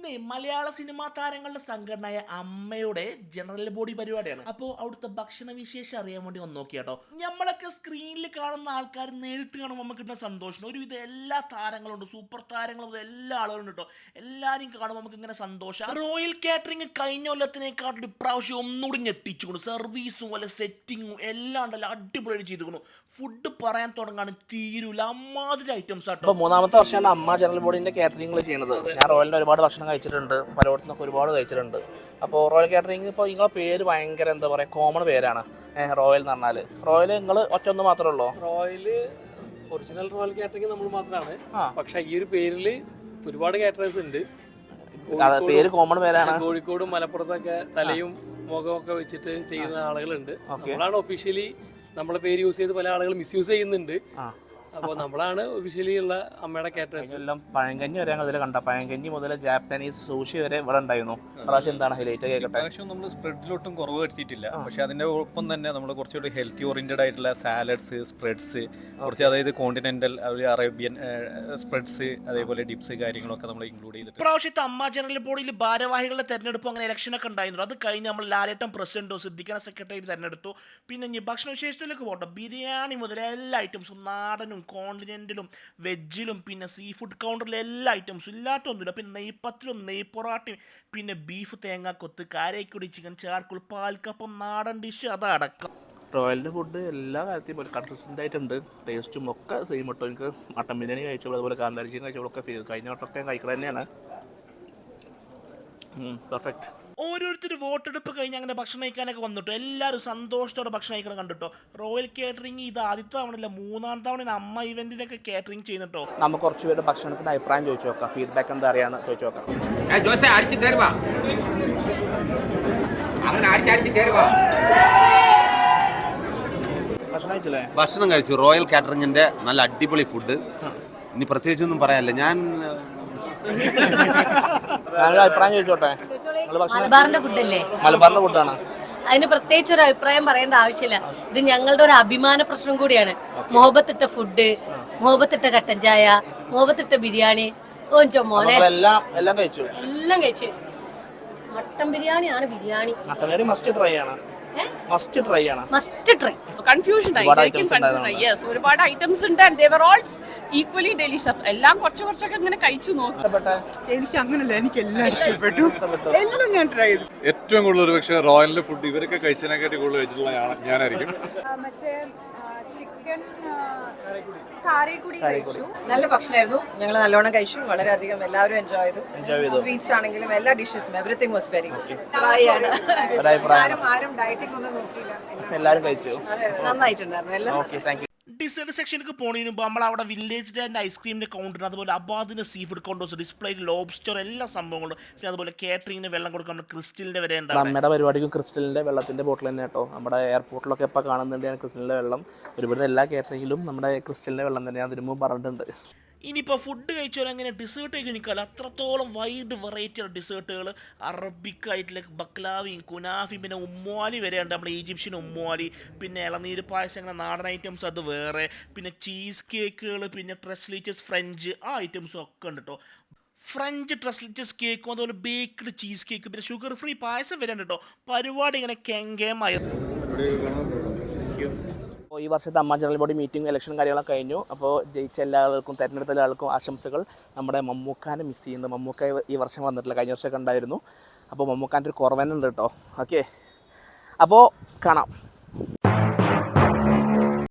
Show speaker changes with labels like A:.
A: ഇന്നേ മലയാള സിനിമാ താരങ്ങളുടെ സംഘടനയായ അമ്മയുടെ ജനറൽ ബോഡി പരിപാടിയാണ്. അപ്പോൾ അവിടുത്തെ ഭക്ഷണ വിശേഷം അറിയാൻ വേണ്ടി വന്ന് നോക്കിയാട്ടോ. നമ്മളൊക്കെ സ്ക്രീനിൽ കാണുന്ന ആൾക്കാർ നേരിട്ട് കാണുമ്പോൾ നമുക്ക് കിട്ടുന്ന സന്തോഷം ഒരുവിധം എല്ലാ താരങ്ങളും ഉണ്ട്, സൂപ്പർ താരങ്ങളും എല്ലാ ആളുകളും ഉണ്ട് കേട്ടോ. എല്ലാവരും കാണുമ്പോൾ നമുക്ക് ഇങ്ങനെ സന്തോഷം. റോയൽ കാറ്ററിംഗ് കഴിഞ്ഞ കൊല്ലത്തിനേക്കാട്ടും ഇപ്രാവശ്യം ഒന്നുകൂടി ഞെട്ടിച്ചുകൊണ്ട് സർവീസും അല്ല സെറ്റിങ്ങും എല്ലാം ഉണ്ടല്ലോ അടിപൊളിയായിട്ട് ചെയ്തുകൊണ്ടു. ഫുഡ് പറയാൻ തുടങ്ങാണ് തീരൂല, അമ്മാതിരി ഐറ്റംസ് ആട്ടോ.
B: മൂന്നാമത്തെ വർഷമാണ് അമ്മ ജനറൽ ബോഡിന്റെ കാറ്ററിംഗ് ചെയ്യുന്നത്. ഞാൻ റോയലിന്റെ ഒരുപാട് ഭക്ഷണം കഴിച്ചിട്ടുണ്ട്, പലയിടത്തുനിന്നൊക്കെ ഒരുപാട് കഴിച്ചിട്ടുണ്ട്. അപ്പോൾ റോയൽ കാറ്ററിംഗ് ഇപ്പോൾ നിങ്ങളെ പേര് ഭയങ്കര എന്താ പറയുക കോമൺ പേരാണ് റോയൽ എന്ന് പറഞ്ഞാൽ. റോയൽ നിങ്ങൾ ഒറ്റ മാത്രമേ ഉള്ളൂ?
C: റോയല് ഒറിജിനൽ റോയൽ കാറ്ററിംഗ് നമ്മൾ മാത്രമാണ്. പക്ഷെ ഈ ഒരു പേരിൽ ഒരുപാട് കാറ്ററേഴ്സ് ഉണ്ട്.
B: പേര് കോമൺ പേരാണ്.
C: കോഴിക്കോടും മലപ്പുറത്തൊക്കെ തലയും മുഖമൊക്കെ വെച്ചിട്ട് ചെയ്യുന്ന ആളുകളുണ്ട്. നമ്മളാണ് ഒഫീഷ്യലി നമ്മളെ പേര് യൂസ് ചെയ്ത് പല ആളുകൾ മിസ്യൂസ് ചെയ്യുന്നുണ്ട്. അപ്പോൾ നമ്മളാണ് ഒഫീഷ്യലി ഉള്ള അമ്മയുടെ കാറ്ററേഴ്സ്.
B: എല്ലാം പഴങ്കഞ്ഞി വരെ അതിൽ കണ്ട, പഴങ്കഞ്ഞി മുതൽ ജാപ്പനീസ് സൂഷി വരെ ഇവിടെ ഉണ്ടായിരുന്നു. പ്രാവശ്യം എന്താണ് ഹൈലൈറ്റ് കേൾക്കട്ടെ?
D: പ്രാവശ്യം നമ്മൾ സ്പ്രെഡിലൊട്ടും കുറവ് വരുത്തിയിട്ടില്ല. പക്ഷേ അതിൻ്റെ ഒപ്പം തന്നെ നമ്മൾ കുറച്ചുകൂടി ഹെൽത്തി ഓറിയൻറ്റഡ് ആയിട്ടുള്ള സാലഡ്സ്, സ്പ്രെഡ്സ്, കുറച്ച് അതായത് കോണ്ടിനെൻ്റൽ അറേബ്യൻ സ്പ്രെഡ്സ്, അതേപോലെ ഡിപ്സ് കാര്യങ്ങളൊക്കെ നമ്മൾ ഇൻക്ലൂഡ് ചെയ്തിട്ട്.
A: പ്രാവശ്യത്തെ അമ്മ ജനറൽ ബോഡിയിൽ ഭാരവാഹികളുടെ തെരഞ്ഞെടുപ്പ് അങ്ങനെ ഇലക്ഷനൊക്കെ ഉണ്ടായിരുന്നു. അത് കഴിഞ്ഞ് നമ്മൾ ലാലേട്ടൻ പ്രസിഡന്റോ സിദ്ദിഖാന സെക്രട്ടറി തെരഞ്ഞെടുത്തു. പിന്നെ ഇനി ഭക്ഷണ വിശേഷത്തിലേക്ക് പോകട്ടെ. ബിരിയാണി മുതൽ എല്ലാ ഐറ്റംസും, നാടനും കോണ്ടിനെന്റലും വെജിലും പിന്നെ സീ ഫുഡ് കൗണ്ടറിലെ എല്ലാ ഐറ്റംസും ഇല്ലാത്തൊന്നുമില്ല. പിന്നെ നെയ്പ്പത്തിലും നെയ് പൊറാട്ടയും പിന്നെ ബീഫ് തേങ്ങാക്കൊത്ത്, കാരക്കുടി ചിക്കൻ, ചാർക്കുൾ, പാൽക്കപ്പം, നാടൻ ഡിഷ് അതടക്കം.
B: റോയലിൻ്റെ ഫുഡ് എല്ലാ കാര്യത്തിലും ഒരു കൺസിസ്റ്റൻ്റ് ആയിട്ടുണ്ട്. ടേസ്റ്റും ഒക്കെ സെയിം കേട്ടോ. എനിക്ക് മട്ടൻ ബിരിയാണി കഴിച്ചോളൂ, അതുപോലെ കാന്താരി ചിക്കൻ കഴിച്ചോളൊക്കെ ഫീൽ കഴിഞ്ഞ വട്ടമൊക്കെ കഴിക്കുന്നത് തന്നെയാണ്. പെർഫെക്റ്റ്.
A: ഓരോരുത്തർ വോട്ടെടുപ്പ് കഴിഞ്ഞ് അങ്ങനെ ഭക്ഷണം കഴിക്കാനൊക്കെ വന്നിട്ടോ. എല്ലാവരും സന്തോഷത്തോടെ ഭക്ഷണം കഴിക്കണം കണ്ടിട്ടോ. റോയൽ കാറ്ററിംഗ് ഇത് ആദ്യത്തെ തവണയല്ല, മൂന്നാം തവണ അമ്മ ഇവന്റിനൊക്കെ കാറ്ററിംഗ് ചെയ്യുന്നുട്ടോ.
B: നമുക്ക് കുറച്ച് പേരുടെ ഭക്ഷണത്തിന്റെ അഭിപ്രായം ചോദിച്ചു നോക്കാം, ഫീഡ്ബാക്ക് എന്താ അറിയാന്ന് ചോദിച്ചു നോക്കാം.
E: ഭക്ഷണം കഴിച്ചു. റോയൽ കാറ്ററിംഗിന്റെ നല്ല അടിപൊളി ഫുഡ്. ഇനി പ്രത്യേകിച്ചൊന്നും പറയാനില്ല. ഞാൻ
B: അഭിപ്രായം ചോദിച്ചോട്ടെ.
F: മലബാറിന്റെ ഫുഡല്ലേ?
B: മലബാറിന്റെ ഫുഡാണ്.
F: അതിന് പ്രത്യേകിച്ച് ഒരു അഭിപ്രായം പറയേണ്ട ആവശ്യമില്ല. ഇത് ഞങ്ങളുടെ ഒരു അഭിമാന പ്രശ്നം കൂടിയാണ്. മുഹബത്തിട്ട ഫുഡ്, മുഹബത്തിട്ട കട്ടൻ ചായ, മുഹബത്തിട്ട ബിരിയാണി. ഓഞ്ചോ മോനെ
B: എല്ലാം കഴിച്ചു.
F: എല്ലാം കഴിച്ചു. മട്ടൻ ബിരിയാണിയാണ് biryani.
B: Mutton biryani must try ആണ്. മസ്റ്റ് ട്രൈ ആണ്.
F: Must try.
G: കൺഫ്യൂഷൻ ആയി, ശരിക്കും കൺഫ്യൂഷൻ ആയി. യെസ്, ഒരുപാട് ഐറ്റംസ് ഉണ്ട് and they were all equally delicious. എല്ലാം കുറച്ചൊക്കെ ഇങ്ങനെ കഴിച്ചു നോക്കി.
H: എനിക്ക് അങ്ങനല്ല, എനിക്ക് എല്ലാം ഇഷ്ടപ്പെട്ടു, എല്ലാം ഞാൻ ട്രൈ ചെയ്തു.
D: ഏറ്റവും കൂടുതൽ ഒരു പക്ഷേ റോയലിന്റെ ഫുഡ് ഇവരൊക്കെ കഴിച്ചതിനെക്കാട്ടി കൂടുതൽ കഴിച്ചിട്ടുള്ള ഞാനായിരിക്കും.
I: മറ്റേ ചിക്കൻ കാരക്കുടി കഴിച്ചു.
H: നല്ല ഭക്ഷണമായിരുന്നു, ഞങ്ങൾ നല്ലോണം കഴിച്ചു, വളരെയധികം എല്ലാവരും എൻജോയ് ചെയ്തു. സ്വീറ്റ്സ് ആണെങ്കിലും എല്ലാ ഡിഷസും everything was very good. Try ആണ്. ആരും ഡയറ്റിംഗ് ഒന്നും നോക്കിയില്ല,
B: എല്ലാവരും കഴിച്ചു.
H: നന്നായിട്ടുണ്ടായിരുന്നു എല്ലാം.
B: Okay, thank you.
A: ഡിസേർട്ട് സെക്ഷനിലേക്ക് പോകുന്നതിന് മുമ്പ് നമ്മൾ അവിടെ വില്ലേജ് ഡാൻഡ് ഐസ്ക്രീമിൻ്റെ കൗണ്ടർ, അതുപോലെ അബാദിൻ്റെ seafood counters, display lobster എല്ലാ സംഭവങ്ങളും, പിന്നെ അതുപോലെ കാറ്ററിങ്ങിന് വെള്ളം കൊടുക്കാൻ നമ്മുടെ ക്രിസ്റ്റലിൻ്റെ വരെ ഉണ്ട്.
B: നമ്മുടെ പരിപാടിക്കും ക്രിസ്റ്റലിൻ്റെ വെള്ളത്തിൻ്റെ ബോട്ടിൽ തന്നെ കേട്ടോ. നമ്മുടെ എയർപോർട്ടിലൊക്കെ ഇപ്പോൾ കാണുന്നുണ്ട് ക്രിസ്റ്റലിൻ്റെ വെള്ളം. ഒരുപാട് എല്ലാ കാറ്ററിങ്ങിലും നമ്മുടെ ക്രിസ്റ്റലിൻ്റെ വെള്ളം തന്നെ അതിന് മുമ്പ് പറഞ്ഞിട്ടുണ്ട്.
A: ഇനിയിപ്പോൾ ഫുഡ് കഴിച്ചാൽ അങ്ങനെ ഡിസേർട്ട് കഴിക്കാമല്ലോ. അത്രത്തോളം വൈഡ് വെറൈറ്റിയുള്ള ഡിസേർട്ടുകൾ, അറബിക്കായിട്ടുള്ള ബക്ലാവിയും കുനാഫിയും പിന്നെ ഉമ്മുവാലി വരെ ഉണ്ട്. നമ്മുടെ ഈജിപ്ഷ്യൻ ഉമ്മുവാലി, പിന്നെ ഇളനീര് പായസം, അങ്ങനെ നാടൻ ഐറ്റംസ് അത് വേറെ, പിന്നെ ചീസ് കേക്കുകൾ, പിന്നെ ട്രസ്ലിച്ചസ് ഫ്രഞ്ച് ആ ഐറ്റംസും ഒക്കെ ഉണ്ട് കേട്ടോ. ഫ്രഞ്ച് ട്രസ്ലിച്ചസ് കേക്കും അതുപോലെ ബേക്ക്ഡ് ചീസ് കേക്ക്, പിന്നെ ഷുഗർ ഫ്രീ പായസം വരെ ഉണ്ട് കേട്ടോ. പരിപാടി ഇങ്ങനെ കെങ്കേമായിരുന്നു.
B: അപ്പോൾ ഈ വർഷത്തെ അമ്മ ജനറൽ ബോഡി മീറ്റിംഗ് ഇലക്ഷൻ കാര്യങ്ങളൊക്കെ കഴിഞ്ഞു. അപ്പോൾ ജയിച്ച എല്ലാ ആൾക്കും തിരഞ്ഞെടുത്ത എല്ലാവർക്കും ആശംസകൾ. നമ്മുടെ മമ്മൂക്കാനെ മിസ് ചെയ്യുന്നത്. മമ്മൂക്ക ഈ വർഷം വന്നിട്ടില്ല, കഴിഞ്ഞ വർഷമൊക്കെ ഉണ്ടായിരുന്നു. അപ്പോൾ മമ്മൂക്കാൻ്റെ ഒരു കുറവനുണ്ട് കേട്ടോ. ഓക്കെ, അപ്പോൾ കാണാം.